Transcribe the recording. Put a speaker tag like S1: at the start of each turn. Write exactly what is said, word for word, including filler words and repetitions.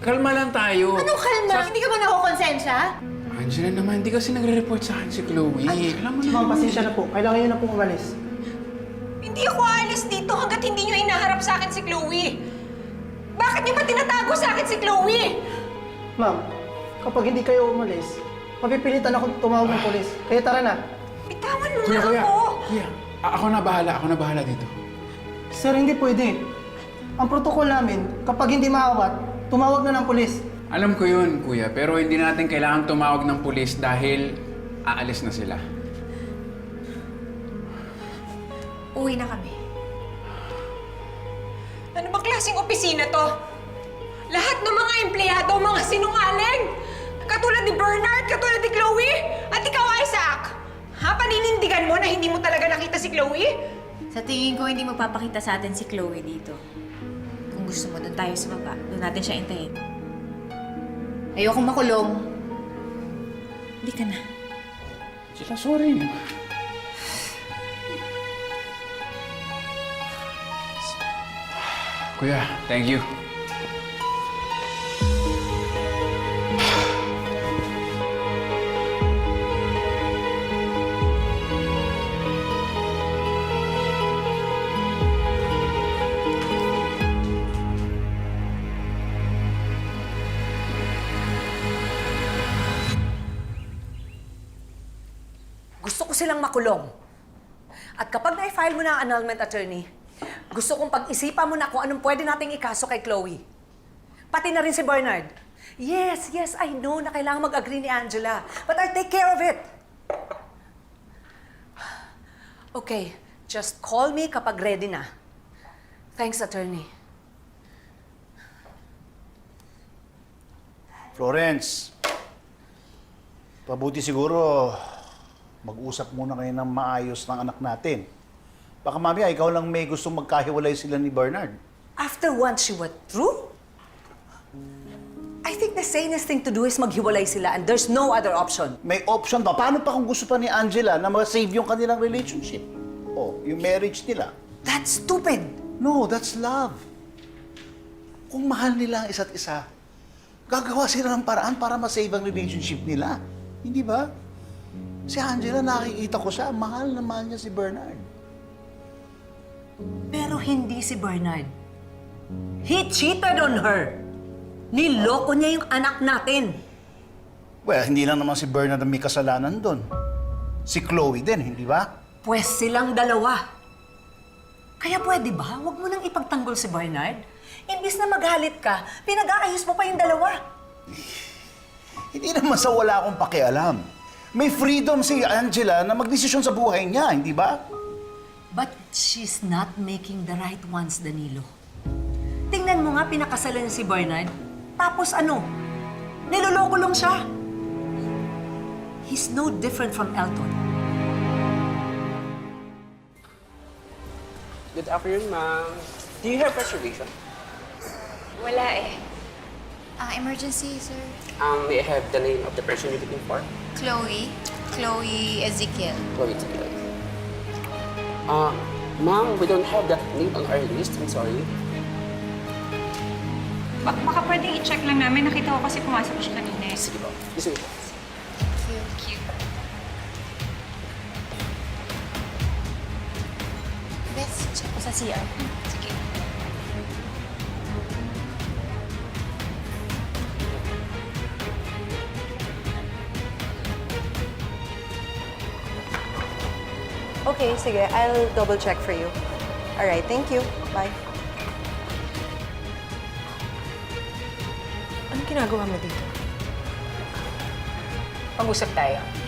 S1: Kalma lang tayo.
S2: Anong kalma?
S1: Sa-
S2: Hindi ka ba nakukonsensya?
S1: Angela naman, hindi kasi nagre-report sa akin si Chloe. Alam mo
S3: Ma'am,
S1: naman.
S3: pasensya na po. Kailangan nyo na po umalis.
S2: Hindi ako aalis dito hanggat hindi nyo inaharap sa akin si Chloe. Bakit nyo ba tinatago sa akin si Chloe?
S3: Ma'am, kapag hindi kayo umalis, mapipilitan akong tumawag ng polis. Kaya tara na.
S2: Bitawan mo
S1: Kuya,
S2: na
S1: kuya.
S2: ako.
S1: Kuya, a- ako na bahala. Ako na bahala dito.
S3: Sir, hindi pwede. Ang protocol namin, kapag hindi maawat, tumawag na ng polis.
S1: Alam ko yun, kuya. Pero hindi natin kailangan tumawag ng pulis dahil aalis na sila.
S2: Uwi na kami. Ano ba klaseng opisina to? Lahat ng mga empleyado, mga sinungaling! Katulad ni Bernard, katulad ni Chloe, at ikaw, Isaac! Ha? Paninindigan mo na hindi mo talaga nakita si Chloe?
S4: Sa tingin ko, hindi magpapakita sa atin si Chloe dito. Kung gusto mo, doon tayo sa baba. Doon natin siya intayin.
S2: Ayokong makulong.
S4: Hindi ka na.
S1: Sila, sorry. Kuya, thank you.
S5: Gusto ko silang makulong. At kapag na-file mo na ang annulment, attorney, gusto kong pag-isipan mo na kung anong pwede nating ikaso kay Chloe. Pati na rin si Bernard. Yes, yes, I know na kailangan mag-agree ni Angela. But I'll take care of it. Okay, just call me kapag ready na. Thanks, attorney.
S6: Florence, pabuti siguro mag-usap muna kayo ng maayos ng anak natin. Baka mamaya ikaw lang may gustong magkahiwalay sila ni Bernard.
S5: After once she went through, I think the sanest thing to do is maghiwalay sila and there's no other option.
S6: May option pa. Paano pa kung gusto pa ni Angela na ma-save yung kanilang relationship? O, yung marriage nila?
S5: That's stupid.
S6: No, that's love. Kung mahal nila ang isa't isa, gagawa sila ng paraan para ma-save ang relationship nila. Hindi ba? Si Angela, nakikita ko siya, mahal na mahal niya si Bernard.
S5: Pero hindi si Bernard. He cheated on her. Niloko niya yung anak natin.
S6: Well, hindi lang naman si Bernard ang may kasalanan doon. Si Chloe din, hindi ba?
S5: Pwes silang dalawa. Kaya pwede ba, huwag mo nang ipagtanggol si Bernard? Imbis na magalit ka, pinag-aayos mo pa yung dalawa.
S6: Hindi naman sa wala akong pakialam. May freedom si Angela na magdesisyon sa buhay niya, hindi ba?
S5: But she's not making the right ones, Danilo. Tingnan mo nga, pinakasalan niya si Bernard. Tapos ano? Niloloko lang siya. He's no different from Elton.
S7: Good afternoon, ma'am. Do you have reservation?
S2: Wala eh.
S8: Ah, emergency, sir.
S7: Um, may I have the name of the person you're looking for?
S8: Chloe. Chloe Ezekiel.
S7: Chloe Taylor. Uh, ma'am, we don't have that name on our list. I'm sorry.
S9: Ba- baka pwedeng i-check lang namin. Nakita ko kasi pumasok siya kanina eh.
S7: Sige po. This way po.
S8: Cute. Let's check.
S4: O sa C R.
S8: Sige.
S10: Okay, sige. I'll double check for you. All right, thank you. Bye.
S5: Anong ginagawa mo dito?
S2: Pag-usap tayo.